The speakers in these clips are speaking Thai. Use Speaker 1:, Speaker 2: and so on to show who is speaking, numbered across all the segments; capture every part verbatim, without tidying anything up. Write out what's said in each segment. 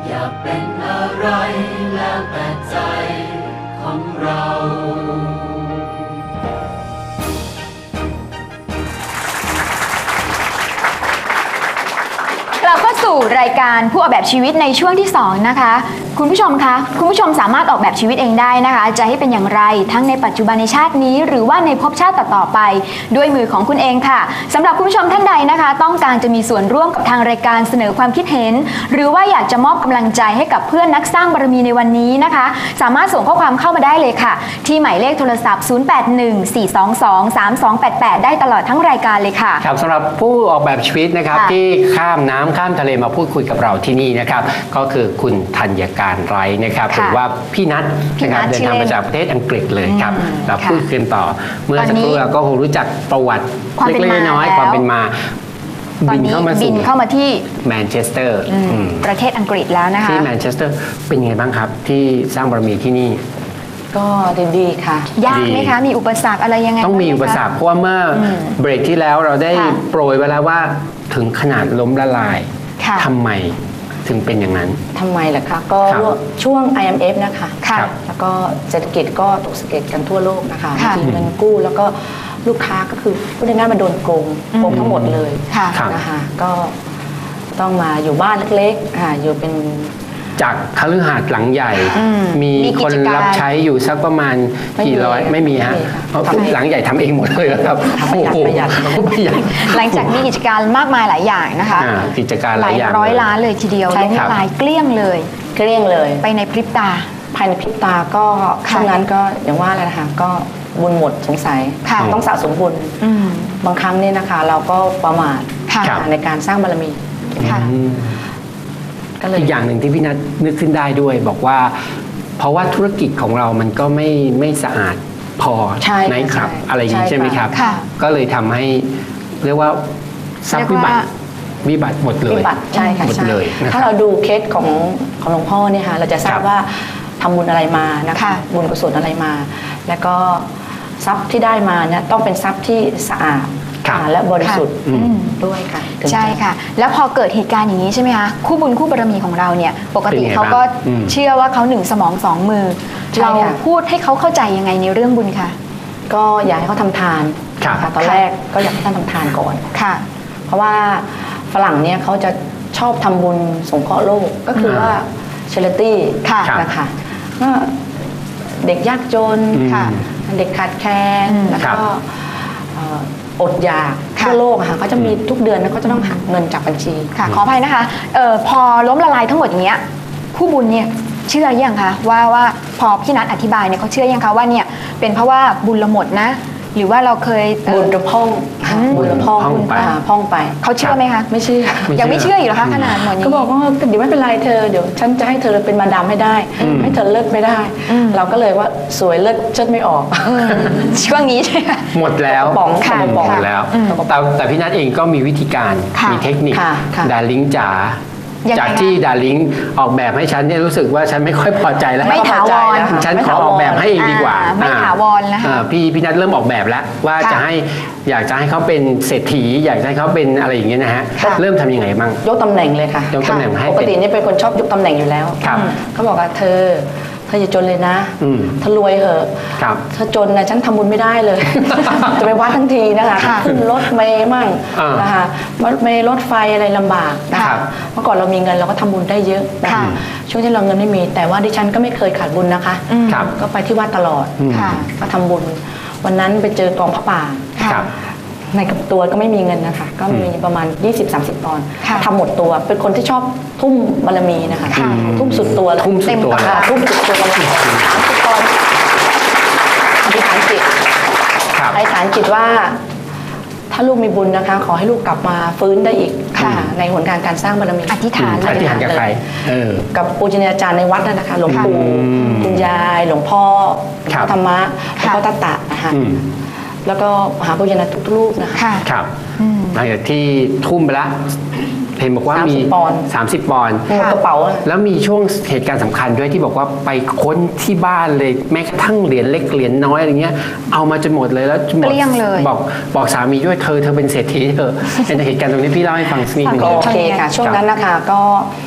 Speaker 1: อยากเป็นอะไรแล้วแต่ใจของเรา
Speaker 2: เราเข้าสู่รายการผู้ออกแบบชีวิตในช่วงที่สองนะคะคุณผู้ชมคะคุณผู้ชมสามารถออกแบบชีวิตเองได้นะคะจะให้เป็นอย่างไรทั้งในปัจจุบันในชาตินี้หรือว่าในภพชาติต่อๆไปด้วยมือของคุณเองค่ะสำหรับคุณผู้ชมท่านใดนะคะต้องการจะมีส่วนร่วมกับทางรายการเสนอความคิดเห็นหรือว่าอยากจะมอบกำลังใจให้กับเพื่อนนักสร้างบารมีในวันนี้นะคะสามารถส่งข้อความเข้ามาได้เลยค่ะที่หมายเลขโทรศัพท์ศูนย์ แปด หนึ่ง สี่ สอง สอง สาม สอง แปด แปดได้ตลอดทั้งรายการเลยค่ะ
Speaker 3: ครับสำหรับผู้ออกแบบชีวิตนะครับที่ข้ามน้ำข้ามทะเลมาพูดคุยกับเราที่นี่นะครับก็คือคุณธัญการไร้นะครับหรือว่าพี่นัทนะครับเดินทางมาจากประเทศอังกฤษเลยครับเราพูดกันต่อเมื่อสักครู่เราก็คงรู้จักประวัติเล็กๆน้อยๆความเป็นมาบินเข้ามา
Speaker 2: บินเข้ามาที่
Speaker 3: แมนเชสเตอร์
Speaker 2: ประเทศอังกฤษแล้วนะคะ
Speaker 3: ที่แมนเชสเตอร์เป็นยังไงบ้างครับที่สร้างบารมีที่นี่
Speaker 4: ก็ดีๆค่ะ
Speaker 2: ยากไหมคะมีอุปสรรคอะไรยังไง
Speaker 3: ต้องมีอุปสรรคเพราะว่าเมื่อเบรกที่แล้วเราได้โปรยไว้แล้วว่าถึงขนาดล้มละลายทำไมถึงเป็นอย่างนั้น
Speaker 4: ทำไมล่ะคะก็ช่วง ไอ เอ็ม เอฟ นะคะแล้วก็เศรษฐกิจก็ตกสะเก็ดกันทั่วโลกนะคะมีเงินกู้แล้วก็ลูกค้าก็คือพูดง่ายๆมาโดนโกงโกงทั้งหมดเลยนะคะก็ต้องมาอยู่บ้านเล็กๆอยู่เป็น
Speaker 3: จากคฤหาสน์หลังใหญ่มีคนรับใช้อยู่สักประมาณกี่ร้อยไม่มีฮะเพราะหลังใหญ่ทำเองหมดเลยครับ
Speaker 4: ประหยัด
Speaker 3: ประหยัด
Speaker 2: หลังจากมีกิจการมากมายหลายอย่างนะคะ
Speaker 3: กิจการหลายอย่าง
Speaker 2: ร้อยล้านเลยทีเดียวล้มละลายเกลี้ยงเลย
Speaker 4: เกลี้ยงเลย
Speaker 2: ไปในพริบตา
Speaker 4: ภายในพริบตาก็ช่วงนั้นก็อย่างว่าเลยนะคะก็บุญหมดสงสัยต้องสะสมบุญบางครั้งนี่นะคะเราก็ประมาทในการสร้างบารมี
Speaker 3: อีกอย่างหนึ่งที่พี่นัทนึกขึ้นได้ด้วยบอกว่าเพราะว่าธุรกิจของเรามันก็ไม่ไม่สะอาดพอในครับอะไรอย่างนี้ใช่ไหมครับก็เลยทำให้เรียกว่าทรัพย์วิบัติวิบัติหมดเลย
Speaker 4: วิบัติใช่ค่ะ
Speaker 3: หมดเลย
Speaker 4: ถ้าเราดูเคสของของหลวงพ่อเนี่ยค่ะเราจะทราบว่าทำบุญอะไรมานะคะบุญกุศลอะไรมาแล้วก็ทรัพย์ที่ได้มาเนี่ยต้องเป็นทรัพย์ที่สะอาดและบริสุทธิ์ด้วยค่ะ
Speaker 2: ใช่ค่ะแล้วพอเกิดเหตุการณ์อย่างนี้ใช่ไหมคะคู่บุญคู่บารมีของเราเนี่ยปกติเขาก็เชื่อว่าเขาหนึ่งสมองสองมือเราพูดให้เขาเข้าใจยังไงในเรื่องบุญคะ
Speaker 4: ก็อยากให้เขาทำทานค่ะตอนแรกก็อยากให้ท่านทำทานก่อน
Speaker 2: ค่ะ
Speaker 4: เพราะว่าฝรั่งเนี่ยเขาจะชอบทำบุญสงเคราะห์โลกก็คือว่าเชริตี้นะคะก็เด็กยากจนเด็กขาดแคลนแล้วก็อดอยากทั่วโลกค่ะเขาจะมีทุกเดือนแล้วก็จะต้องหักเงินจากบัญชี
Speaker 2: ค่ะขออภัยนะคะเอ่อพอล้มละลายทั้งหมดอย่างเงี้ยผู้บุญเนี่ยเชื่อยังคะว่าว่าพอพี่นัทอธิบายเนี่ยเขาเชื่อยังคะว่าเนี่ยเป็นเพราะว่าบุญเราหมดนะหรือว่าเราเคย
Speaker 4: บุญเราพ่องบุญเราพ่องพ่องไป
Speaker 2: เขาเชื่อไหมคะ
Speaker 4: ไม่เชื่อ
Speaker 2: ยังไม่เชื่ออยู่หรอคะขนาดหมดนี้
Speaker 4: ก็บอกว่าเดี๋ยวไม่เป็นไรเธอเดี๋ยวฉันจะให้เธอเป็นมาดามให้ได้ให้เธอเลิกไม่ได้เราก็เลยว่าสวยเลิกเชิดไม่ออก
Speaker 2: ช่วงนี้ใช่ไหม
Speaker 3: หมดแล้ว
Speaker 4: ป๋องค่ะ
Speaker 3: หมดแล้วแต่แต่พี่นัทเองก็มีวิธีการมีเทคนิคดาริ่งจ๋าจากที่ดาริ่งออกแบบให้ฉันเนี่ยรู้สึกว่าฉันไม่ค่อยพอใจแล้ว
Speaker 2: ไม่ถาวร
Speaker 3: ฉันขอออกแบบให้เองดีกว่า
Speaker 2: ไม่ถาวรแล้ว
Speaker 3: พี่พี่นัทเริ่มออกแบบแล้วว่าจะให้อยากจะให้เขาเป็นเศรษฐีอยากให้เขาเป็นอะไรอย่างเงี้ยนะฮะเริ่มทำยังไงบ้าง
Speaker 4: ยกตำแหน่งเลยค่ะ
Speaker 3: ยกตำแหน่งให้
Speaker 4: ปกตินี่เป็นคนชอบยกตำแหน่งอยู่แล้วเขาบอกว่าเธอเธออย่าจนเลยนะถ้ารวยเหอะถ้าจนนะฉันทำบุญไม่ได้เลยจะไปวัดทั้งทีนะคะขึ้นรถเมย์มั่งนะคะรถเมย์รถไฟอะไรลำบากนะคะเมื่อก่อนเรามีเงินเราก็ทำบุญได้เยอะนะคะช่วงที่เราเงินไม่มีแต่ว่าดิฉันก็ไม่เคยขาดบุญนะคะก็ไปที่วัดตลอดก็ทำบุญวันนั้นไปเจอกองพระป่าในกับตัวก็ไม่มีเงินนะคะก็มีประมาณ ยี่สิบสามสิบ ปอนด์ทำหมดตัวเป็นคนที่ชอบทุ่มบารมีนะคะทุ่มสุดตัว
Speaker 3: ทุ่มสุดตัว
Speaker 4: ทุ่มสุดตัวสามสิบปอนด์อธิษฐานจิตอธิษฐานจิตว่าถ้าลูกมีบุญนะคะขอให้ลูกกลับมาฟื้นได้อีกในหนการการสร้างบารมี
Speaker 2: อธิษฐาน
Speaker 3: อธิษฐานกับใคร
Speaker 4: กับปูชนียาจารย์ในวัดนั่นนะคะหลวงปู่คุณยายหลวงพ่อธรรมะหลวงพ่อตาตะนะคะแล้วก็หาปุญญาทุกรูปนะคะ
Speaker 3: ครับหลังจากที่ทุ่มไปแล้วเห็นบอกว่ามีสามสิบปอนด์
Speaker 4: กระเป๋า
Speaker 3: แล้วมีช่วงเหตุการณ์สำคัญด้วยที่บอกว่าไปค้นที่บ้านเลยแม้กระทั่งเหรียญเล็กเหรียญน้อยอะไรเงี้ยเอามาจนหมดเลยแล้ว
Speaker 2: เกลี้ยงเลย
Speaker 3: บอกบอกสามีด้วยเธอเธอเป็นเศรษฐีเธอในเหตุการณ์ตรงนี้พี่เล่าให้ฟังสักนิดนึง
Speaker 4: โอเคค่ะช่วงนั้นนะคะก็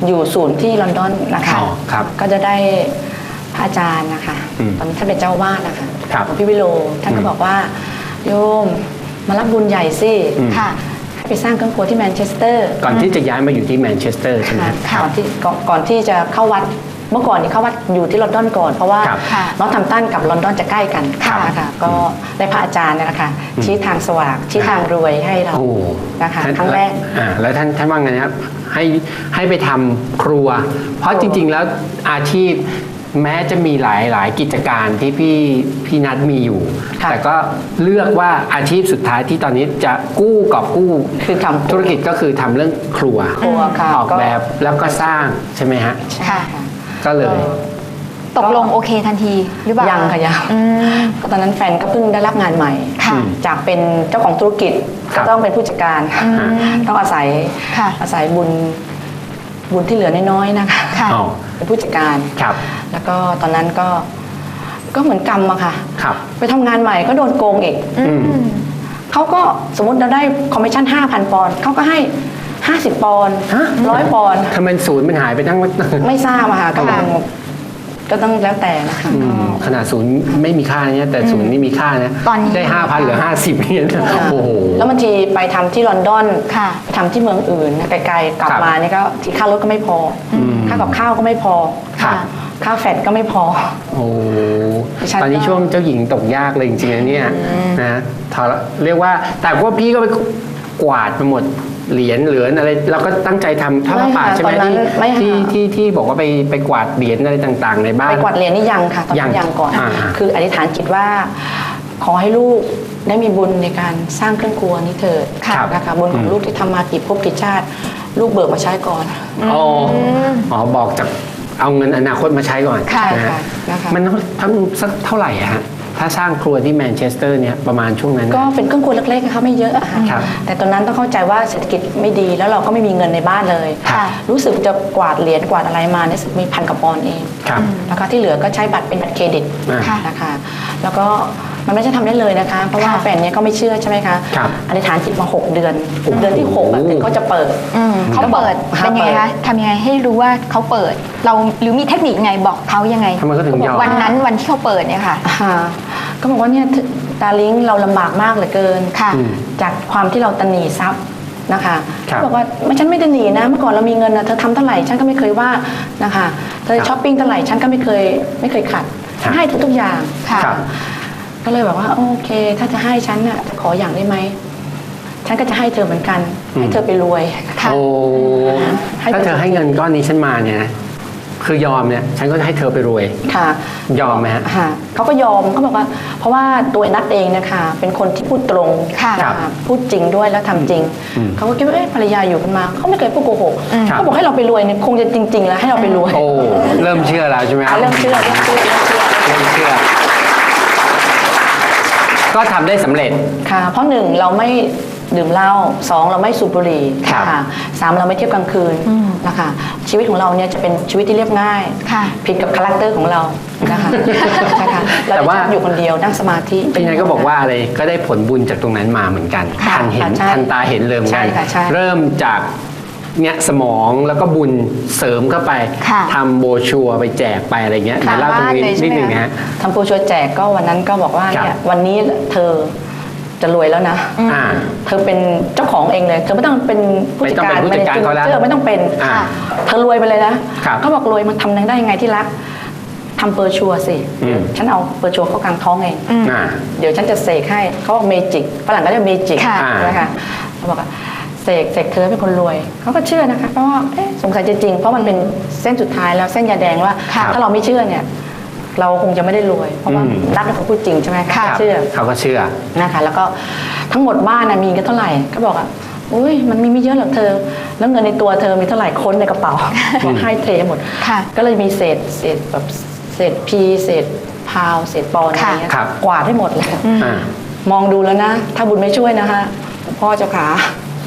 Speaker 4: อยู่ศูนย์ที่ลอนดอนนะคะ
Speaker 3: อ๋อครับ
Speaker 4: ก็จะได้พระอาจารย์นะคะ
Speaker 3: อืม
Speaker 4: ตอนนั้นท่านเป็นเจ้าวาดนะคะ
Speaker 3: ครับ
Speaker 4: พี่วิโรท่านก็บอกว่าโยมมารับบุญใหญ่สิ
Speaker 3: อืม
Speaker 2: ค่ะ
Speaker 4: ให้ไปสร้างเครื่องครัวที่แมนเชสเตอร์
Speaker 3: ก่อนที่จะย้ายมาอยู่ที่แมนเชสเตอร์ใช่ไหม
Speaker 4: ค่ะก่อนที่ก่อนก่อนที่จะเข้าวัดเมื่อก่อนนี่เข้าวัดอยู่ที่ลอนดอนก่อนเพราะว่า
Speaker 3: ครับ
Speaker 2: ค่ะ
Speaker 4: น้องทำตันกับลอนดอนจะใกล้กัน
Speaker 3: ครับ
Speaker 4: นะคะก็ได้พระอาจารย์เนยนะคะชี้ทางสว่างชี้ทางรวยให้เรา
Speaker 3: โอ้
Speaker 4: นะคะ
Speaker 3: ท่าน
Speaker 4: ครั้งแรก
Speaker 3: อ่าแล้วท่านท่านว่าไงนะครับให้ให้ไปทำครัว เพราะจริง ๆ แล้วอาชีพแม้จะมีหลายหลายกิจการที่พี่พี่นัทมีอยู่
Speaker 4: ค่ะ
Speaker 3: แต่ก็เลือกว่าอาชีพสุดท้ายที่ตอนนี้จะกู้กอบกู้
Speaker 4: คือทำ
Speaker 3: ธุรกิจก็คือทำเรื่องครัว
Speaker 4: ครัวค่ะ
Speaker 3: ออก
Speaker 4: ก็
Speaker 3: แบบแล้วก็สร้างใช่ไหมฮะ
Speaker 4: ใช่
Speaker 2: ค่ะ
Speaker 4: ค่ะ
Speaker 3: ก็เลย
Speaker 2: ตกลงโอเคทันทีหรือเปล่า
Speaker 4: ยังค่ะยัง
Speaker 2: อืม
Speaker 4: ก็ตอนนั้นแฟนก็เพิ่งได้รับงานใหม่
Speaker 2: ค่ะ
Speaker 4: จากเป็นเจ้าของธุรกิจ
Speaker 3: ครั
Speaker 4: ก็
Speaker 3: บ
Speaker 4: ต้องเป็นผู้จัดการ ต้องอาศัย
Speaker 2: ค่ะ
Speaker 4: อาศัยบุญบุญที่เหลือน้อยๆนะคะ
Speaker 2: ค่ะ
Speaker 3: อ๋อ
Speaker 4: เป็นผู้จัดการ
Speaker 3: ครับ
Speaker 4: แล้วก็ตอนนั้นก็ก็เหมือนกรรมอะค่ะ
Speaker 3: ครับ
Speaker 4: ไปทำงานใหม่ก็โดนโกงอีก
Speaker 3: อืม
Speaker 4: เขาก็สมมติเราได้คอมมิชชั่น ห้าพัน ปอนด์เขาก็ให้ ห้าสิบ ปอนด์
Speaker 3: ฮะ
Speaker 4: ร้อยปอนด์
Speaker 3: ทำไมศูนย์มันหายไปทั้ง
Speaker 4: ไม่ทราบอะค่ะก็
Speaker 2: ค่ะ
Speaker 4: ก็ต้องแล้วแต่นะคะ
Speaker 3: อืมขนาดศูนย์ไม่มีค่าเนี่ยแต่ศูนย์นี่มีค่านะ
Speaker 2: ตอนนี้
Speaker 3: ได้ห้าพันหรือห้าสิบเนี่ยนะโอ้โห
Speaker 4: แล้วบางทีไปทำที่ลอนดอน
Speaker 2: ค่ะ
Speaker 4: ไปทำที่เมืองอื่นนะไกลๆกลับ
Speaker 3: ครับ
Speaker 4: มาเนี่ยก็ที่ค่ารถก็ไม่พออ
Speaker 3: ม
Speaker 4: ค่ากับข้าวก็ไม่พอ
Speaker 3: ครับ
Speaker 4: ค่าแฟดก็ไม่พอ
Speaker 3: โอ้
Speaker 4: ดิฉัน
Speaker 3: ตอนนี้
Speaker 4: ก็
Speaker 3: ช่วงเจ้าหญิงตกยากเลยจริงๆนะเนี่ยนะทรเรียกว่าแต่ว่าพี่ก็ไปกวาดไปหมดเหรียญเหลืออะไรเราก็ตั้งใจทำท่าพระป่าใช่ไหม
Speaker 4: ตอนนั้น
Speaker 3: ที่
Speaker 4: ไม่ค่ะ
Speaker 3: ที่ที่ที่บอกว่าไปไปกวาดเหรียญอะไรต่างๆ ในบ้าน
Speaker 4: ไปกวาดเหรียญนี่ยังค่ะตอนนั้น
Speaker 3: ยัง
Speaker 4: ยังก่อน
Speaker 3: อ่า
Speaker 4: คืออธิษฐานจิตว่า ขอให้ลูกได้มีบุญในการสร้างเครื่องครัวนี้เถิด
Speaker 3: ครับ
Speaker 4: นะคะบุญของลูกที่ทำมากี่ภพกี่ชาติ ลูกเบิกมาใช้ก่อน
Speaker 3: อ๋ออ๋อบอกจากเอาเงินอนาคตมาใช้ก่อน
Speaker 2: ค่ะ
Speaker 3: นะฮะ
Speaker 4: ค่ะนะคะ
Speaker 3: มันทั้งสักเท่าไหร่อะฮะถ้าสร้างครัวที่แมนเชสเตอร์เนี่ยประมาณช่วงนั้นนะ
Speaker 4: ก็เป็นเครื่องครัวเล็กๆนะคะไม่เยอะอะค่ะ
Speaker 3: ครับ
Speaker 4: แต่ตอนนั้นต้องเข้าใจว่าเศรษฐกิจไม่ดีแล้วเราก็ไม่มีเงินในบ้านเลย
Speaker 2: ค่ะ
Speaker 4: รู้สึกจะกวาดเหรียญกวาดอะไรมาเนี่ยมีพันกว่าปอนด์เอง
Speaker 3: ครับ
Speaker 4: แล้วก็ที่เหลือก็ใช้บัตรเป็นบัตรเครดิต
Speaker 3: อ่า
Speaker 2: ค่ะ
Speaker 4: นะคะ แล้วก็มันไม่ใช่ทำได้เลยนะคะ เพราะว่า
Speaker 2: ค่ะ
Speaker 4: แฟนเนี่ยก็ไม่เชื่อใช่ไหมคะ
Speaker 3: ครับ
Speaker 4: อธิษฐานจิตมาหกเดือนเดือนที่หกอะถึงเขาจะเปิด
Speaker 2: อืมเขาเปิด
Speaker 4: เขา
Speaker 2: เป็นยังไง
Speaker 4: เปิด
Speaker 2: คะทำยังไงให้รู้ว่าเขาเปิด เราหรือมีเทคนิคไงบอกเขายังไง
Speaker 3: ทำไมเขาถึงยอม
Speaker 2: วันนั้นวันที่เขาเปิดเนี่ยค่ะ
Speaker 4: อ่าก็บอกว่าเนี่ยดาริงเราลำบากมากเหลือเกิน
Speaker 2: ค่ะ
Speaker 3: อืม
Speaker 4: จากความที่เราตะหนีทรัพย์นะคะ
Speaker 3: ครับ
Speaker 4: บอกว่าไม่ฉันไม่ตะหนีนะเมื่อก่อนเรามีเงินนะเธอทำเท่าไหร่ฉันก็ไม่เคยว่านะคะเธอ
Speaker 3: ครับ
Speaker 4: ช้อปปิ้งเท่าไหร่ฉันก็ไม่เคยไม่เคยขัด
Speaker 3: ครับ
Speaker 4: ให้ทุกๆอย่าง
Speaker 2: ค่ะ
Speaker 3: ครับ
Speaker 4: ก็เลยบอกว่าโอเค ถ้าจะให้ฉันน่ะขออย่างได้ไหมฉันก็จะให้เธอเหมือนกัน
Speaker 3: อืม
Speaker 4: ให้เธอไปรวย
Speaker 2: ค่ะ
Speaker 3: โอ้
Speaker 4: ให้
Speaker 3: ถ้าเธอให้เงินก้อนนี้ฉันมาเนี่ยนะคือยอมเนี่ยฉันก็จะให้เธอไปรวย
Speaker 4: ค่ะ
Speaker 3: ยอมไหมฮะ
Speaker 4: ค่ะเขาก็ยอมเขาบอกว่า เพราะว่าตัวนัดเองนะคะเป็นคนที่พูดตรง
Speaker 2: ค่ะ
Speaker 4: น
Speaker 3: ครับ
Speaker 4: พูดจริงด้วยแล้วทำจริง
Speaker 3: อืม
Speaker 4: เขาก็คิดว่าเอ๊ะภรรยาอยู่กันมาเขาไม่เคยพูดโกหก
Speaker 3: ครับ
Speaker 4: เขาบอกให้เราไปรวยเนี่ยคงจะจริง ๆ แล้วให้เราไปรวย
Speaker 3: โอ้เริ่มเชื่อแล้วใช่ไหมครั
Speaker 4: เขา
Speaker 3: บ
Speaker 4: เริ่มเชื่อเริ่มเชื่อเริ่มเชื่อ
Speaker 3: เริ่มเชื่อ ก็ทำได้สำเร็จ
Speaker 4: ค่ะ เพราะหนึ่งเราไม่ดื่มเหล้าสองเราไม่สูบบุหรี่
Speaker 3: ครับ
Speaker 4: ค่ะสามเราไม่เที่ยวกลางคืนนะคะชีวิตของเราเนี่ยจะเป็นชีวิตที่เรียบง่าย
Speaker 2: ค่ะ
Speaker 4: ผิดกับคาแรคเตอร์ของเรานะคะนะคะเรา
Speaker 3: แต่ว่า
Speaker 4: จะอยู่คนเดียวนั่งสมาธิ
Speaker 3: พี่นายก็บอกว่าอะไรก็ได้ผลบุญจากตรงนั้นมาเหมือนกัน
Speaker 4: ค่ะ
Speaker 3: ทันเห็น
Speaker 4: ค่ะใช่
Speaker 3: ทันตาเห็นเลยเหมือนกัน
Speaker 4: ใช่ค่ะใช่
Speaker 3: เริ่มจากเนี่ยสมองแล้วก็บุญเสริมเข้าไป
Speaker 2: ค่ะ
Speaker 3: ทำโบรชัวร์ไปแจกไปอะไรเงี้ย
Speaker 2: ค่ะ
Speaker 3: เดี๋ยวเล่าตรงนี้
Speaker 2: บ้านเลยใช่
Speaker 3: นิด
Speaker 2: ไหม
Speaker 3: หนึ่ง
Speaker 2: คะ
Speaker 3: นะฮะ
Speaker 4: ทำโปรชัวร์แจกก็วันนั้นก็บอกว่า
Speaker 3: ครับ
Speaker 4: เนี่ยวันนี้เธอจะรวยแล้วนะ
Speaker 3: อ่า
Speaker 4: เธอเป็นเจ้าของเองเลย เธอไม่ต้องเป็นผู้จัดการ
Speaker 3: ไม่ต้องเป็นผู้จัดการเขาแล้ว
Speaker 4: เธอไม่ต้องเป็น
Speaker 3: อ่า
Speaker 4: เธอรวยไปเลยนะครับ เขาบอกรวยมันทำได้ยังไงที่รักทำเปอร์ชัวร์สิ
Speaker 3: อืม
Speaker 4: ฉันเอาเปอร์ชัวร์เข้ากลางท้องเอง
Speaker 3: อ่า
Speaker 4: เดี๋ยวฉันจะเสกให้เขาบอกเมจิกฝรั่งก็เรียกเมจิก
Speaker 2: ค่ะ
Speaker 4: นะคะเขาบอกว่าเสกเสกเธอเป็นคนรวยเขาก็เชื่อนะคะเพราะว่าเอ๊ะสงสัยจะจริงเพราะมันเป็นเส้นสุดท้ายแล้วเส้นยาแดงว่า
Speaker 2: ค่ะ
Speaker 4: ถ้าเราไม่เชื่อเนี่ย เราคงจะไม่ได้รวย เพราะว่า
Speaker 3: อืม
Speaker 4: รักเป็นคนพูดจริงใช่ไหมคะ
Speaker 2: ค่ะ
Speaker 4: เชื่อ
Speaker 3: เขาก็เชื่อ
Speaker 4: นะคะแล้วก็ทั้งหมดบ้านนะมีกันเท่าไหร่ก็บอกอ่ะอุ้ยมันมีไม่เยอะหรอกเธอ แล้วเงินในตัวเธอมีเท่าไหร่ค้นในกระเป๋าบอกให้เทหมด
Speaker 2: ค่ะ
Speaker 4: ก็เลยมีเศษเศษแบบเศษพีเศษพาวเศษปอนด์อะไรเงี้ย
Speaker 3: ครับ
Speaker 4: กวาดให้หมดเลย
Speaker 3: อ่า
Speaker 4: มองดูแล้วนะ ถ้าบุญไม่ช่วยนะคะพ่อเจ้าขา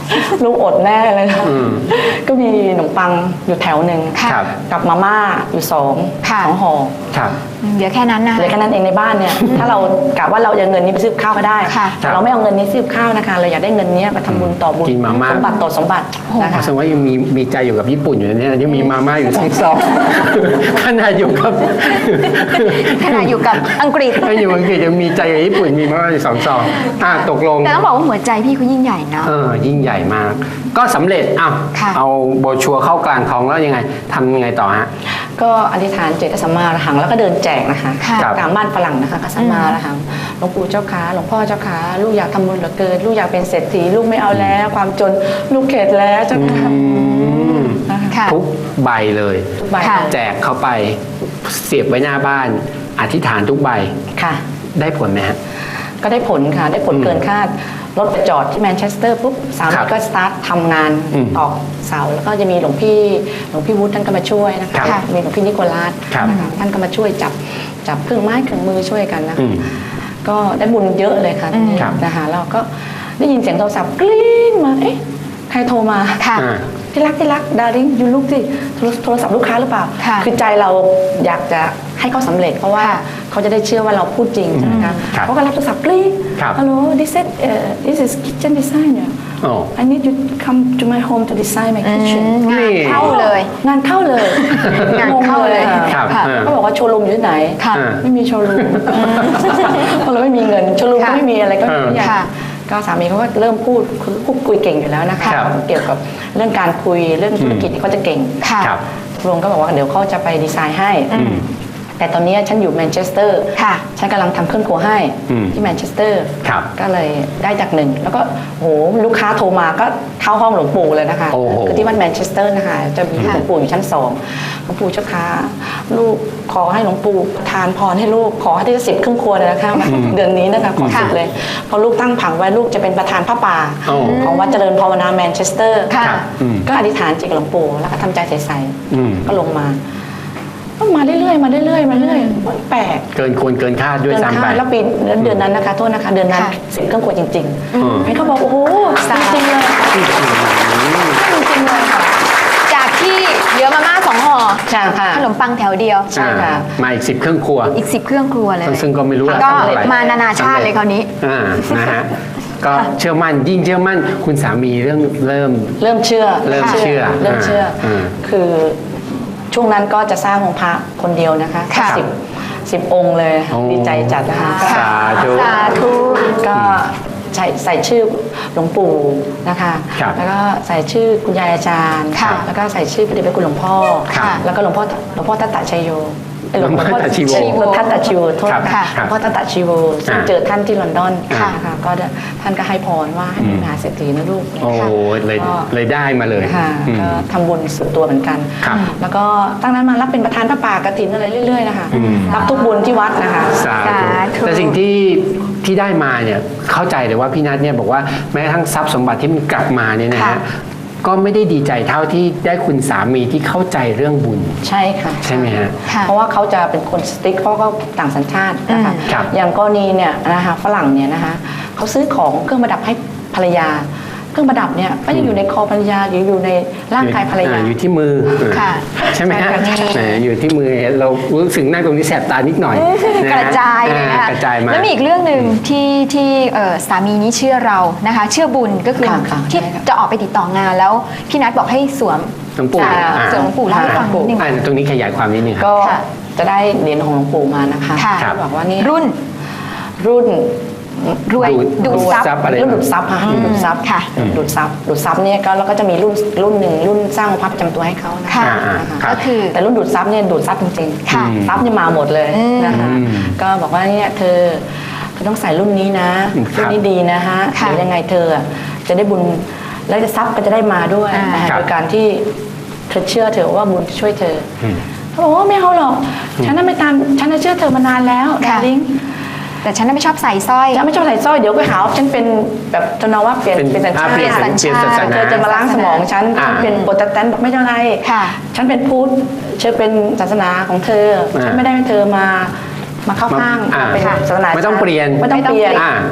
Speaker 4: ลูกอดแน่เลยนะ
Speaker 3: อืม
Speaker 4: ก็มีขนมปังอยู่แถวหนึ่ง
Speaker 3: ครับ
Speaker 4: กับมาม่าอยู่สอง
Speaker 2: ค่ะ
Speaker 4: สองห่อ
Speaker 3: ครับ
Speaker 2: เดี๋ยวแค่นั้นนะ
Speaker 4: เหลือแค่นั้นเองในบ้านเนี่ย ถ้าเรากะว่าเราจะเอาเงินนี้ไปซื้อข้าวก็ได้
Speaker 2: ค่ะ
Speaker 4: แต่เราไม่เอาเงินนี้ซื้อข้าวนะคะ เราอยากได้เงินนี้มาทำบุญต่อบุญ
Speaker 3: กินมาม่า
Speaker 4: สมบัติต่อสมบัตินะคะ
Speaker 3: แสดงว่ายังมีมีใจอยู่กับญี่ปุ่นอยู่นะเนี่ยยังมีมาม่าอยู่ทั้งซองขนาดอยู่กับ
Speaker 2: ขณะอยู่กับอังกฤษ
Speaker 3: ถ้าอยู่อังกฤษยังมีใจกับญี่ปุ่นมีมาม่าอยู่สองซองอ่ะตกลง
Speaker 2: แต่ต้องบอกว่าหัวใจพี่เขายิ่งใหญ่เนาะ
Speaker 3: เออยิ่งใหญ่มาก ก็สำเร็จอ้าว
Speaker 2: ค่ะ
Speaker 3: เอาโบรชัวร์เข้ากลางท้องแล้วยังไงทำยังไงต่อฮะ
Speaker 4: ก็อธิษฐานเจตสัมมาอรหังแล้วก็เดินแจกนะคะ
Speaker 2: ค่ะ
Speaker 3: ครับ
Speaker 4: ตามบ้านฝรั่งนะคะก็สัมมาอรหังหลวงปู่เจ้าขาหลวงพ่อเจ้าขาลูกอยากทำบุญเหลือเกินลูกอยากเป็นเศรษฐีลูกไม่เอาแล้ว ความจนลูกเข็ดแล้วเจ้าค่ะ
Speaker 3: อืม
Speaker 4: นะคะ
Speaker 2: ค่ะ
Speaker 3: ทุกใบเลย
Speaker 4: ทุกใบ
Speaker 2: ค่ะ
Speaker 3: แจกเข้าไปเสียบไว้หน้าบ้าน อธิษฐานทุกใบ
Speaker 4: ค่ะ
Speaker 3: ได้ผลไหมฮะ
Speaker 4: ก็ได้ผลค่ะ ได้ผล
Speaker 3: อืม
Speaker 4: เกินคาดรถไปจอดที่แมนเชสเตอร์ปุ๊บสา
Speaker 3: ครั
Speaker 4: มี
Speaker 3: บ
Speaker 4: ก็สตาร์ททำงาน
Speaker 3: อืม
Speaker 4: ตอกเสาแล้วก็จะมีหลวงพี่หลวงพี่วุฒิท่านก็มาช่วยนะคะ
Speaker 3: ครับ
Speaker 4: มีหลวงพี่นิโคลัส
Speaker 3: ครับ
Speaker 4: นะคะท่านก็มาช่วยจับจับเครื่องไม้เครื่องมือช่วยกันนะ
Speaker 3: อื
Speaker 4: คะ
Speaker 3: ม
Speaker 4: ก็ได้บุญเยอะเลยค่ะ
Speaker 2: อืม
Speaker 3: ครับ
Speaker 4: นะคะเราก็ได้ยินเสียงโทรศัพท์กรี๊ดมาเอ๊ะใครโทรมา
Speaker 2: ค่ะ
Speaker 3: อ่า
Speaker 4: ที่รักที่รักดาริงยูลูกที่โทรศัพท์ลูกค้าหรือเปล่า
Speaker 2: ค่ะ
Speaker 4: คือใจเราอยากจะให้เขาสำเร็จ เพราะว่า
Speaker 2: ค่ะ
Speaker 4: เขาจะได้เชื่อว่าเราพูดจริงใช่ไหมคะ
Speaker 3: ครับ
Speaker 4: เขาก็รับโทรศัพท์กรี๊ด
Speaker 3: ครับ
Speaker 4: ฮัลโหล this is uh, this is kitchen designer
Speaker 3: โอ้
Speaker 4: I need you to come to my home to design my
Speaker 2: อื
Speaker 4: kitchen
Speaker 2: มงานเข้าเลย
Speaker 4: งานเข้าเลย
Speaker 2: งานเข้าเลย
Speaker 4: งง
Speaker 3: ครับ
Speaker 4: ค่ะ
Speaker 3: อ่า
Speaker 4: เขาบอกว่าโชว์รูมอยู่ที่ไหน
Speaker 2: ค่ะ
Speaker 3: อ่า
Speaker 4: ไม่มีโชว์รูมเพราะเราไม่มีเงินโชว์รูมก็
Speaker 2: ค่ะ
Speaker 4: ไม่มีอะไรก็ไม่มี
Speaker 2: ค่ะ
Speaker 4: ก็สามีเขาก็เริ่มพูดคือพูดคุยเก่งอยู่แล้วนะคะ
Speaker 3: ครับ
Speaker 4: เกี่ยวกับเรื่องการคุยเรื่องธุรกิจนี่เขาจะเก่ง
Speaker 2: ค่ะ
Speaker 3: ครับ
Speaker 4: ลุงก็บอกว่าเดี๋ยวเขาจะไปดีไซน์ให้ แต่ตอนนี้ฉันอยู่แมนเชสเตอร์
Speaker 2: ค่ะ
Speaker 4: ฉันกำลังทำเครื่องครัวให้
Speaker 3: อืม
Speaker 4: ที่แมนเชสเตอร์
Speaker 3: ครับ
Speaker 4: ก็เลยได้จากหนึ่ง แล้วก็โหลูกค้าโทรมาก็เข้าห้องหลวงปู่เลยนะคะ
Speaker 3: โอ้โห
Speaker 4: คือที่วัดแมนเชสเตอร์นะคะจะมีหลวงปู่อยู่ชั้นสองหลวงปู่เจ้าค่ะลูกขอให้หลวงปู่ทานพรให้ลูกขอให้ได้สิบเครื่องครัวเลยนะคะเดือนนี้นะคะขอสิบเลยเพราะลูกตั้งผังไว้ลูกจะเป็นประธานพระป่า
Speaker 3: โอ้
Speaker 4: ของวัดเจริญภาวนาแมนเชสเตอร์
Speaker 2: ค่ะ
Speaker 3: ครับอืม
Speaker 4: ก็อธิษฐานจิตกับหลวงปู่แล้วก็ทำใจใส
Speaker 3: อืม
Speaker 4: ๆก็ลงมาก็มาเรื่อยๆมาเรื่อยๆมาเรื่อยๆมันแปลก
Speaker 3: เกินควรเกินคาดด้วย
Speaker 4: เกิน
Speaker 3: ซ้ำไป
Speaker 4: คาดแล้วปีเดือนนั้นนะคะโทษนะคะเดือนนั้น
Speaker 2: ค่ะ
Speaker 4: สิบเครื่องครัวจริง
Speaker 3: อืม
Speaker 4: ๆให้เขาบอกโอ้โหจริงๆเลยจริงๆเลยค่ะ
Speaker 2: จากที่เหลือมาม่าสองห่อ
Speaker 4: ใช่ค่ะ
Speaker 2: ขนมปังแถวเดียว
Speaker 4: ใช่ค่ะ
Speaker 3: อ่ามาอีกสิบเครื่องครัว
Speaker 2: อีกสิบเครื่องครัวเลย
Speaker 3: ซึ่งก็ไม่รู้
Speaker 2: ก็
Speaker 3: เท่ไหร่
Speaker 2: มานานาชาติเลยคราวนี้
Speaker 3: อ่านะฮะก็เชื่อมั่นยิ่งเชื่อมั่นคุณสามีเรื่องเริ่ม
Speaker 4: เริ่มเชื่อ
Speaker 3: เริ่มเชื่อ
Speaker 4: เริ่มเชื่ออา คือช่วงนั้นก็จะสร้างองค์พระคนเดียวนะคะ
Speaker 2: ค่ะ
Speaker 4: สิบสิบองค์เลย
Speaker 3: โอ้
Speaker 4: ดีใจจัดนะคะ
Speaker 3: สาธุ
Speaker 2: สาธุ
Speaker 4: ก็ใส่ใส่ชื่อหลวงปู่นะคะ
Speaker 3: ครับ
Speaker 4: แล้วก็ใส่ชื่อคุณยายอาจารย์
Speaker 2: ค่ะ
Speaker 4: แล้วก็ใส่ชื่อพระเดชพระคุณหลวงพ่อ
Speaker 3: ครับ
Speaker 4: แล้วก็หลวงพ่อหลวงพ่อทัตตะชัยโยเอ้ย
Speaker 3: หลวงพ่อทัตตะชีโว
Speaker 4: หลวงพ่อทัตตะชีโวโทษ
Speaker 3: ครับ
Speaker 4: ค่ะ
Speaker 3: ค
Speaker 4: ห
Speaker 3: รั
Speaker 4: ล
Speaker 3: บ
Speaker 4: วงพ่อทัตตะชีโวซึ่ง
Speaker 3: อ่า
Speaker 4: เจอท่านที่ลอนดอน
Speaker 3: ค่ะ
Speaker 4: นะคะก็ได้ท่านก็ให้พรว่าให้เป็นมหาเศรษฐีนะลูก
Speaker 3: โอ้เลย
Speaker 4: ก็
Speaker 3: เลยได้มาเลย
Speaker 4: ค่ะ
Speaker 3: อืม
Speaker 4: ก็ทำบุญสุดตัวเหมือนกัน
Speaker 3: ครับ
Speaker 4: แล้วก็ตั้งนั้นมารับเป็นประธานพระป่ากฐินอะไรเรื่อยๆนะคะ
Speaker 3: อืม
Speaker 4: รับทุกบุญที่วัดนะคะ
Speaker 3: สา
Speaker 2: สาธุ
Speaker 3: ธุแต่สิ่งที่ที่ได้มาเนี่ยเข้าใจเลยว่าพี่นัทเนี่ยบอกว่าแม้กระทั่งทรัพย์สมบัติที่มันกลับมาเนี่ยนะ
Speaker 2: ค่ะ
Speaker 3: ฮะก็ไม่ได้ดีใจเท่าที่ได้คุณสามีที่เข้าใจเรื่องบุญ
Speaker 4: ใช่ค่ะ
Speaker 3: ใช่ไหมฮะ
Speaker 2: ค่ะ
Speaker 4: เพราะว่าเขาจะเป็นคนสติ๊กเพราะเขาต่างสัญชาตินะคะ
Speaker 2: อืม
Speaker 3: ครับ
Speaker 4: อย่างกรณีเนี่ยนะคะฝรั่งเนี่ยนะคะเขาซื้อของเครื่องประดับให้ภรรยา เครื่องประดับเนี่ยก็ยังอยู่ในคอภรรยาหรืออยู่ในร่างกายภรรยา
Speaker 3: อ่อยู่ที่มือ
Speaker 2: ค่ะ
Speaker 3: ใช่ไหมฮะ
Speaker 2: ใช่ค่ะ
Speaker 3: แหมอยู่ที่มือเรารู้สึกนั่งตรงนี้แสบตานิดหน่อย
Speaker 2: กระจายเลย
Speaker 3: อ่
Speaker 2: นะคะ
Speaker 3: กระจายมา
Speaker 2: แล้วมีอีกเรื่องหนึ่งที่ที่เอ่อสามีนี้เชื่อเรานะคะ เชื่อบุญก็คือ
Speaker 4: ค่ะค่ะ
Speaker 2: ที่
Speaker 4: ใช่ค่ะ
Speaker 2: จะออกไปติดต่องานแล้วพี่นัทบอกให้สวม
Speaker 3: หลวงปู่
Speaker 2: สาย
Speaker 3: อ่า
Speaker 2: สวมหลวงปู่เล่าให้ฟังนิดนึง
Speaker 3: อ่าตรงนี้ขยายความนิดนึงครับ
Speaker 4: ก็
Speaker 2: ค่ะ
Speaker 4: จะได้เหรียญของหลวงปู่มานะคะ
Speaker 2: ค่ะ
Speaker 4: เขาบอกว่านี่
Speaker 2: รุ่น
Speaker 4: รุ่น
Speaker 2: รวย
Speaker 3: ดูด
Speaker 2: ดูด
Speaker 3: ดูด
Speaker 2: ซับ
Speaker 3: ซับอะไร
Speaker 4: รุ่นดูดซับค่ะรุ่นดูดซับ
Speaker 2: ค่ะ
Speaker 4: ดูดซับดูดซับเนี่ยก็แล้วก็จะมีรุ่นรุ่นหนึ่งรุ่นสร้างองค์พระประจำตัวให้เขานะ
Speaker 2: ค่ะ
Speaker 3: อ่า
Speaker 4: นะคะ
Speaker 3: ครับ
Speaker 2: ก็คือ
Speaker 4: แต่รุ่นดูดซับเนี่ยดูดซับจริงๆ
Speaker 2: ค่ะ
Speaker 4: ซับเนี่ยมาหมดเลยนะคะ
Speaker 3: อืม
Speaker 4: ก็บอกว่าเนี่ยเธอเธอต้องใส่รุ่นนี้นะ
Speaker 3: อืมครับ
Speaker 4: รุ่นนี้ดีนะฮะ
Speaker 2: ค่ะ
Speaker 4: เดี๋ยวยังไงเธออะจะได้บุญแล้วจะซับก็จะได้มาด้วย
Speaker 2: อ่า
Speaker 4: นะคะ
Speaker 3: ครับ
Speaker 4: โดยการที่เธอเชื่อเธอว่าบุญจะช่วยเธออ
Speaker 3: ม
Speaker 4: เขาบอกว่าไม่เอาหรอกฉันน่ะไม่ตามฉันน่ะเชื่อเธอมานานแล้ว
Speaker 2: ค่ะ
Speaker 4: ดาริง
Speaker 2: แต่ฉันน่ะไม่ชอบใส่สร้อย
Speaker 4: ฉันไม่ชอบใส่สร้อยเดี๋ยวก็หาว่าฉันเป็นแบบจนเอาว่าเปลี่ยน
Speaker 3: เป็น
Speaker 4: เป็นสัญชา
Speaker 3: อ่า
Speaker 4: ติ
Speaker 3: เปลี่ยน
Speaker 2: สัญชาติ
Speaker 3: เปลี่ยนศาสนา
Speaker 4: เธอจะมาล้างสมองฉัน
Speaker 3: อ่า
Speaker 4: ฉันเป็นโปรเตสแตนต์บอกไม่เป็นไร
Speaker 2: ค่ะ
Speaker 4: ฉันเป็นพุทธเชื่อเป็นศาสนาของเธอ
Speaker 3: อ่า
Speaker 4: ฉันไม่ได้ให้เธอมามาเข้าข้าง
Speaker 3: อ่า
Speaker 4: เป็นศาสนา
Speaker 3: ไม่ต้องเปลี่ยน
Speaker 4: ไม่ต้องเปลี่ยน
Speaker 3: อ่า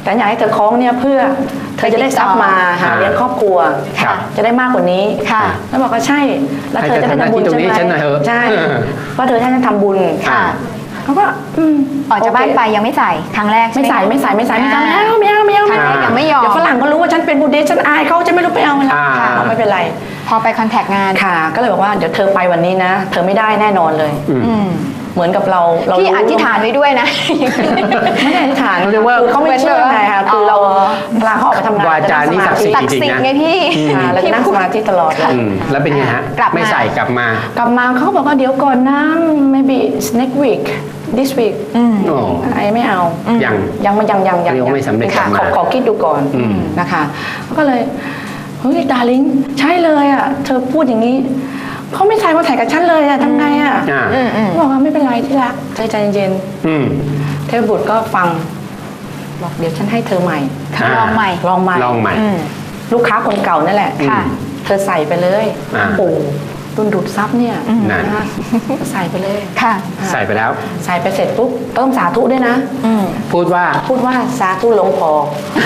Speaker 4: แต่อยากให้เธอคล้องเนี่ยเพื่อเธอจะได้ทรัพย์มาหาเลี้ยงครอบครัว
Speaker 3: ครับ
Speaker 4: จะได้มากกว่านี้
Speaker 2: ค่ะ
Speaker 4: แล้วบอกว่าใช่แล้วเธอจะได้
Speaker 3: ให้เธอทำหน้า
Speaker 4: ทำบุญ
Speaker 3: ที่ตรงนี้
Speaker 4: ใช่ไหม
Speaker 3: ฉันหน่อยเถอะ
Speaker 4: ใช่
Speaker 3: เออ
Speaker 4: ว่าเธอท่านจะทำบุญ
Speaker 3: ค่ะ
Speaker 4: เขาก็อืม
Speaker 2: ออกจากบ้าน
Speaker 4: โเค
Speaker 2: ไปยังไม่ใส่ครั้งแรกใช่
Speaker 4: ไม่
Speaker 2: ห
Speaker 4: ใส่ไม่ใส่ไม่ใส่ไม่ใส่ไม่เอาไม่เอาไม่เอา
Speaker 2: ครั้งแรกยังไม่ยอม
Speaker 4: เดี๋ยวฝรั่งก็รู้ว่าฉันเป็นบูดดิสต์ฉันอายเขาจะไม่รู้ไปเอาอะไร
Speaker 3: อ่า
Speaker 4: ค่ะไม่เป็นไร
Speaker 2: พอไปคอนแทคงาน
Speaker 4: ค่ะ ก็เลยบอกว่าเดี๋ยวเธอไปวันนี้นะ เธอไม่ได้แน่นอนเลย
Speaker 2: อืม
Speaker 4: เหมือนกับเราเรา
Speaker 2: พี่
Speaker 4: รู้
Speaker 2: อธิษฐานไว้ด้วยนะ
Speaker 4: ไม่ได้อธิษฐาน
Speaker 3: เขาเรียกว่า
Speaker 4: คือเขาไม่เชื่อไงค่ะคือเรา
Speaker 2: อ๋อ
Speaker 4: เวลาเขาออกไปทำงาน
Speaker 3: วาจานี่ศักดิ์สิทธิ์
Speaker 2: ศักดิ์สิทธิ์ไงพี่
Speaker 4: ค่ะเราจะนั่งสมาธิตลอดเลย
Speaker 3: อืมแล้วเป็นไงฮะ
Speaker 2: กลับมา
Speaker 3: ไม่ใส่กลับมา
Speaker 4: กลับมาเขาก็บอกว่าเดี๋ยวก่อนนะ maybe next week this week
Speaker 3: โอ้
Speaker 4: ไอ้ไม่เอา
Speaker 3: ยัง
Speaker 4: ยังไม่ยังยังยัง
Speaker 3: เรียกว่าไม่สำเร็จ
Speaker 4: ค่ะ
Speaker 3: กลับมา
Speaker 4: ขอขอคิดดูก่อน
Speaker 3: อืม
Speaker 4: นะคะก็เลยเฮ้ยดาริงใช่เลยอ่ะเธอพูดอย่างนี้เขาไม่ใส่มาถ่ายกับฉันเลยอ่ะทำไงอ่ะ
Speaker 3: อ่า
Speaker 2: อืมอืม
Speaker 4: บอกว่าไม่เป็นไรที่รักใจใจเย็น
Speaker 3: อืม
Speaker 4: ๆเทพบุตรก็ฟังบอกเดี๋ยวฉันให้เธอใหม่
Speaker 3: อ่า
Speaker 2: ลองใหม่
Speaker 4: ลองใหม่
Speaker 3: ลองใหม่
Speaker 2: อืม
Speaker 4: ลูกค้าคนเก่านั่นแหละ
Speaker 2: ค่ะ
Speaker 4: เธอใส่ไปเลย
Speaker 3: อ่า
Speaker 4: โอ้รุ่นดูดซับเนี่ย
Speaker 3: นั่น
Speaker 4: นะคะใส่ไปเลย
Speaker 2: ค่ะ
Speaker 3: ใส่ไปแล้ว
Speaker 4: ใส่ไปเสร็จปุ๊บเติมสาธุด้วยนะ
Speaker 2: อืม
Speaker 3: พูดว่า
Speaker 4: พูดว่าสาธุหลวงพอ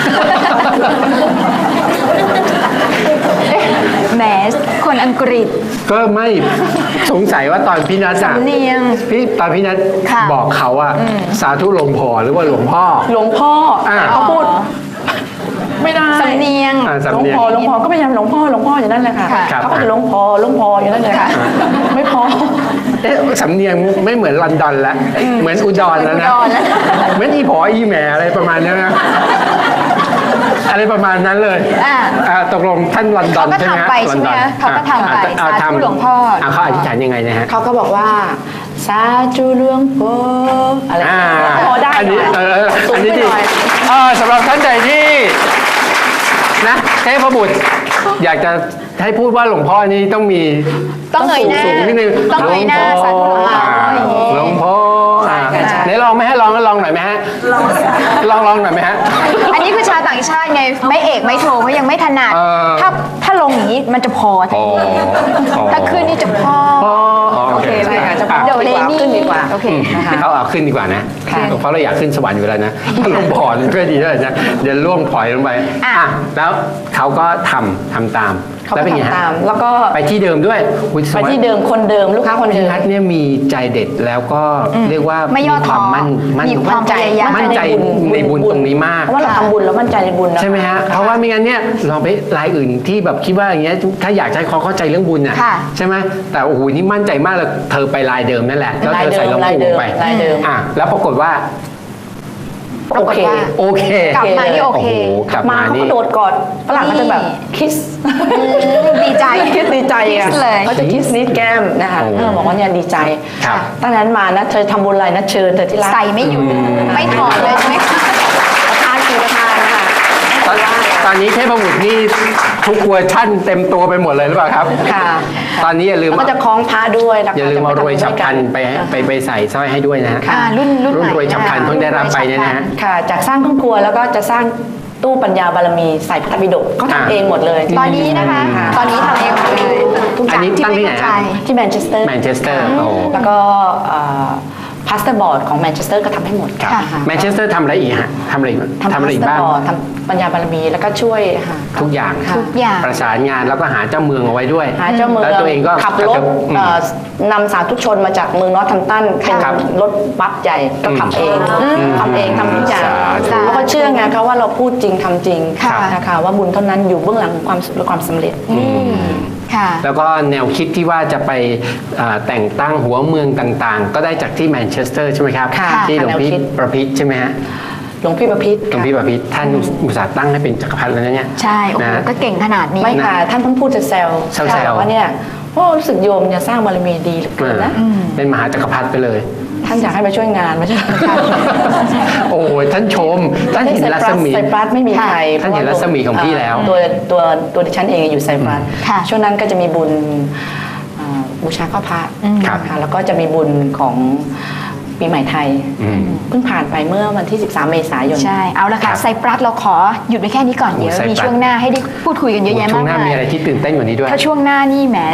Speaker 2: แหมคนอังกฤษ
Speaker 3: ก็ไม่สงสัยว่าตอนพี่นัทอะ
Speaker 2: สำเนียง
Speaker 3: พี่ตอนพี่นัท
Speaker 2: ค่ะ
Speaker 3: บอกเขาอะสาธุหลวงพ่อหรือว่าหลวงพ่อ
Speaker 4: หลวงพ่อ
Speaker 3: อ่า
Speaker 4: แต่เขาพูด ไม่ได้
Speaker 2: สำเนียง
Speaker 3: อ่า
Speaker 4: หล
Speaker 3: สำ
Speaker 4: วง
Speaker 3: เนียง
Speaker 4: พ่อหลวงพ่อก็พยายามหลวงพ่อหลวงพ่ออยู่นั่นแหละค่ะ
Speaker 2: ค่ะ
Speaker 3: ครับ
Speaker 4: เขาก็จะหลวงพ่อหลวงพ่ออยู่นั่นเลยค่ะ ไม่พอ
Speaker 3: เอ๊ะสำเนียงไม่เหมือนลอนดอนแล้วเหมือนอุดรแล้วนะ
Speaker 2: อุดรแล้ว
Speaker 3: เหมือนอีผออีแหมอะไรประมาณนี้นะอะไรประมาณนั้นเลย
Speaker 2: อ่า
Speaker 3: อ่าตกลงท่านลอนดอน
Speaker 2: เขาก็
Speaker 3: ใช่ไหมฮะ
Speaker 2: ทำไปใช่ไหม
Speaker 3: ลอนดอน
Speaker 2: เขาก็ทำไป
Speaker 3: อ่ะ
Speaker 2: สาธุหลวงพ่ออ่
Speaker 3: ะเขาอธิษฐานยังไงนะฮะ
Speaker 4: เขาก็บอกว่า สาธุหลวงพ่ออะไร
Speaker 3: อ่า
Speaker 4: พอได้
Speaker 3: อันนี้
Speaker 4: ห
Speaker 3: เอ
Speaker 4: น่
Speaker 3: อ
Speaker 4: อย
Speaker 3: เออ
Speaker 4: สู
Speaker 3: อั
Speaker 4: ง
Speaker 3: น
Speaker 4: ไป
Speaker 3: นี้ดี
Speaker 4: หน่อย
Speaker 3: เออสำหรับท่านใดที่นะเทพบุตรอยากจะให้พูดว่าหลวงพ่อนี่ต้องมี
Speaker 2: ต้องเงยหน้า
Speaker 3: สูงๆนิดนึง
Speaker 2: ต้องเงยหน้าสาธุหลวงพ่อ
Speaker 3: หลวงพ่อ
Speaker 4: ใช่ค่ะใช่
Speaker 3: ไหนลองไหมฮะลองลองหน่อยไหมฮะลองลองหน่อยไหมฮะ
Speaker 2: อันนี้คือชาวต่างชาติไง ไม่เอกไม่โทเขายังไม่ถนัด
Speaker 3: เออ
Speaker 2: ถ้าถ้าลงอย่างนี้มันจะพอทัน
Speaker 3: อ๋อ
Speaker 2: ที
Speaker 3: อ๋อ
Speaker 2: ถ้าขึ้นนี่จะพอ
Speaker 3: อ๋ออ๋อโอเค
Speaker 4: ใช่ค่ะจะพอ
Speaker 3: อ่ะ
Speaker 2: เดี๋ยวเลนี่
Speaker 4: ขึ้นดีกว่า
Speaker 2: โอเค
Speaker 4: นะคะ
Speaker 3: เขาเอาขึ้นดีกว่านะ
Speaker 4: ค่ะ
Speaker 3: เพราะเราอยากขึ้นสวรรค์อยู่แล้วนะลงบ่อนี่ก็ดีด้วยนะเดี๋ยวล่วงพลอยลงไป
Speaker 2: อ่ะ
Speaker 3: อ่ะแล้วเขาก็ทำทำตาม
Speaker 4: เขา
Speaker 3: แล้ว
Speaker 4: ก็
Speaker 3: เป็นไงฮะ
Speaker 4: ทำตาม แล้วก็
Speaker 3: ไปที่เดิมด้วยอุ๊ย
Speaker 4: ไปที่เดิมคนเดิมลูกค้าคนเดิ
Speaker 3: พี่
Speaker 4: ม
Speaker 3: นัทเนี่ยมีใจเด็ดแล้วก็เรียกว่า
Speaker 2: ไม่ย่อ
Speaker 3: ควา
Speaker 2: ท้
Speaker 3: ม
Speaker 2: อ
Speaker 3: มั่นมั่น
Speaker 2: มีความพยายาม
Speaker 3: มั่นใจในบุญตรงนี้มาก
Speaker 4: เพราะว่าเราทำบุญแล้วมั่นใจในบุญนะ
Speaker 3: ใช่ไหมฮะ เพราะว่าไม่งั้นเนี่ยลองไปรายอื่นที่แบบคิดว่าอย่างเงี้ยถ้าอยากจะให้เขาเข้าใจเรื่องบุญอ่ะ
Speaker 2: ค่ะ
Speaker 3: ใช่ไหมแต่โอ้โหนี่มั่นใจมากเลยเธอไปรายเดิมนั่นแหละแล้วเธอใส่หลวง
Speaker 4: ราย
Speaker 3: ปู่
Speaker 4: เดิม
Speaker 3: ไป
Speaker 4: รายเดิม
Speaker 3: อ่ะแล้วปรากฏว่า
Speaker 2: ปรากฏว่า
Speaker 3: โอเค
Speaker 2: กลับมานี่โอเค
Speaker 3: โอ้โหกลับ
Speaker 4: มา
Speaker 3: มา
Speaker 4: เขา
Speaker 3: นี่
Speaker 4: ก็โดดกอดฝรั่งเขาจะแบบคิส
Speaker 2: ดีใจ
Speaker 4: คิสดีใจอ่ะ
Speaker 2: คิสเลย
Speaker 4: เขาจะคิสนิดแก้มนะคะ
Speaker 3: โอ้
Speaker 4: เออบอกว่าเนี่ยดีใจ
Speaker 3: ครับ
Speaker 4: ตั้งนั้นมานะเธอทำบุญอะไรนะเชิญเธอที่รัก
Speaker 2: ใส่ไม่หยุดไม่ถอดเลยใช่ไหมคะ
Speaker 4: ประทานกี่ประทานนะคะ
Speaker 3: ตอนตอนนี้เทพบุตรนี่ทุกเวอร์ชั่นเต็มตัวไปหมดเลยหรือเปล่าครับ
Speaker 4: ค่ะ
Speaker 3: ตอนนี้อย่าลืม
Speaker 4: แล้วก็จะคล้องพระด้วยแล้วก็
Speaker 3: อย่าลืมเอารวยฉับพลัน
Speaker 4: จะ
Speaker 3: ไป
Speaker 4: ทำด้วยกัน
Speaker 3: ไปไปใส่สร้อยให้ด้วยนะฮะ
Speaker 2: อ่ารุ่นรุ่น
Speaker 3: รุ่น
Speaker 2: ใหม่
Speaker 3: รวยฉับพลัน
Speaker 2: นะคะ
Speaker 3: เพิ่งได้รับไปเนี่ยนะฮะ
Speaker 4: ค่ะ จากสร้างครอบครัวแล้วก็จะสร้างตู้ปัญญาบารมีใส่พระธรรมปิฎกเขา
Speaker 3: อ่า
Speaker 4: ทำเองหมดเลย
Speaker 2: ตอนนี้นะคะ
Speaker 4: ค่ะ
Speaker 2: ตอนนี้ทำเองหมดเลยทุกอ
Speaker 3: อัน
Speaker 2: ย่าง
Speaker 3: นี้
Speaker 2: ที่
Speaker 3: ตั้ง
Speaker 2: ไม่
Speaker 3: ที่ไหน
Speaker 2: เข้าใจ
Speaker 3: ฮะ
Speaker 4: ที่แมนเชสเตอร์
Speaker 3: แมนเชสเตอร์โอ้
Speaker 4: แล้วก็พาสเตอร์บอร์ดของแมนเชสเตอร์ก็ทำให้หมด
Speaker 3: ครับ
Speaker 4: ค่ะ
Speaker 3: แมนเชสเตอร์ทำอะไรอีกฮะทำอะไรอีก
Speaker 4: ทำ
Speaker 3: ทำอะไรอีก
Speaker 4: พาสเตอ
Speaker 3: บ้าง
Speaker 4: ร์บอร์ดทำปัญญาบารมีแล้วก็ช่วยค่ะ
Speaker 3: ทุกอย่าง
Speaker 4: ค่ะ
Speaker 2: ทุกอย่าง
Speaker 3: ประสานงานแล้วก็หาเจ้าเมืองเอาไว้ด้วย
Speaker 4: หาเจ้าเมือง
Speaker 3: แล้วตัวเองก็
Speaker 4: ขับรถ
Speaker 3: อืม
Speaker 4: เอ่อนำสาธุชนมาจากเมืองนอร์ทแฮมป์ตันเป็น
Speaker 3: ครับ
Speaker 4: รถบัสใหญ่ก็ขับเองทำเองทำทุกอย่าง
Speaker 3: สาธุ
Speaker 4: แล้วก็เชื่อไงคะว่าเราพูดจริงทำจริง
Speaker 2: ค่ะ
Speaker 4: นะคะว่าบุญเท่านั้นอยู่เบื้องหลังของความสุขและความสำเร็จ
Speaker 2: ค่ะ
Speaker 3: แล้วก็แนวคิดที่ว่าจะไปอ่าแต่งตั้งหัวเมืองต่างๆ ก็ได้จากที่แมนเชสเตอร์ใช่ไหมครับ
Speaker 4: ค่ะ
Speaker 3: ที่หลวงพี่
Speaker 4: แนวคิด
Speaker 3: ประพิษใช่ไหมฮะ
Speaker 4: หลวงพี่ประพิษ
Speaker 3: หลวงพี่ประพิษท่านอุตส่าห์ตั้งให้เป็นจักรพรรดิแล้วนะเนี่ย
Speaker 2: ใช่ โอ้โห
Speaker 3: นะ
Speaker 2: ก็เก่งขนาดนี้
Speaker 4: ไม่ค่ะท่านเพิ่งพูดจะแซว
Speaker 3: แซวๆ
Speaker 4: บอกว่าเนี่ยโอ้รู้สึกโยมเนี่ยสร้างบารมีดีเหลือเกินนะ
Speaker 3: เป็นมหาจักรพรรดิไปเลย
Speaker 4: ท่านอยากให้มาช่วยงานไม่ใช่เหรอคะ
Speaker 3: โอ้ยท่านชม ท่านเห็นรัศมี
Speaker 4: ไซปรัสไม่มีใคร
Speaker 3: ท่านเห็นรัศมีของพี่แล้ว
Speaker 4: ตัวตัวตัวดิฉันเองอยู่ไซปรัส
Speaker 2: ค่ะ
Speaker 4: ช่วงนั้นก็จะมีบุญอ่าบูชาข้าวพระ
Speaker 3: ครับ
Speaker 4: ค่ะแล้วก็จะมีบุญของปีใหม่ไทย
Speaker 3: อืม
Speaker 4: เพิ่งผ่านไปเมื่อวันที่ สิบสาม เมษายน
Speaker 2: ใช่ เอาละ
Speaker 3: ครั
Speaker 2: ค่ะ
Speaker 3: บ
Speaker 2: ไซปรัสเราขอหยุดไว้แค่นี้ก่อน
Speaker 3: โอ้
Speaker 2: เดี๋ยว
Speaker 3: ไซปรัส
Speaker 2: มีช่วงหน้าให้ได้พูดคุยกันเยอะแยะ
Speaker 3: ช่ว
Speaker 2: มาง ก
Speaker 3: หน้ามี
Speaker 2: มาย
Speaker 3: อะไรที่ตื่นเต้นกว่านี้ด้วย
Speaker 2: ถ้าช่วงหน้านี่แหม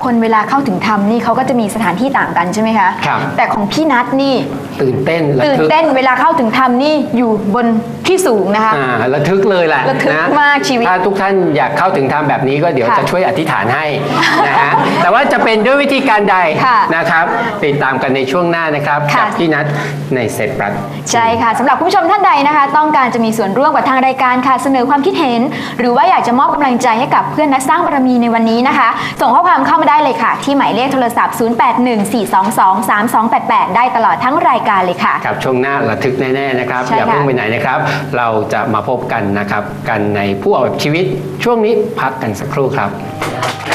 Speaker 2: คนเวลาเข้าถึงธรรมนี่เขาก็จะมีสถานที่ต่างกันใช่ไหมคะ
Speaker 3: ครับ
Speaker 2: แต่ของพี่นัทนี่
Speaker 3: ตื่นเต้นระ
Speaker 2: ตื่น
Speaker 3: ทึก
Speaker 2: เต้นเวลาเข้าถึงธรรมนี่อยู่บนที่สูงนะคะ
Speaker 3: อ่าระทึกเลยแหละ
Speaker 2: ระทึก
Speaker 3: น
Speaker 2: มากชีวิต
Speaker 3: ถ้าทุกท่านอยากเข้าถึงธรรมแบบนี้ก็เดี๋ยว
Speaker 2: ค่ะ
Speaker 3: จะช่วยอธิษฐานให้ นะฮะ แต่ว่าจะเป็นด้วยวิธีการใด
Speaker 2: ค่ะ
Speaker 3: นะครับติดตามกันในช่วงหน้านะครับ
Speaker 2: ค่ะ
Speaker 3: กับพี่นัทในเซตรัฐ
Speaker 2: ใช่ค่ะสำหรับคุณผู้ชมท่านใดนะคะ ต้องการจะมีส่วนร่วมกับทางรายการค่ะเสนอความคิดเห็น หรือว่าอยากจะมอบกำลังใจให้กับเพื่อนนักสร้างบารมีในวันนี้นะคะ ส่งข้อความเข้ามาได้เลยค่ะ ที่หมายเลขโทรศัพท์ ศูนย์ แปด หนึ่ง สี่ สอง สอง สาม สอง แปด แปด ได้ตลอดทั้งรายการเลยค่ะ
Speaker 3: ครับช่วงหน้าระทึกแน่ๆนะครับ
Speaker 2: ใช่
Speaker 3: อย่า
Speaker 2: ค่ะ
Speaker 3: เพิ่งไปไหนนะครับ เราจะมาพบกันนะครับกันในผู้ออกแบบชีวิตช่วงนี้พักกันสักครู่ครับ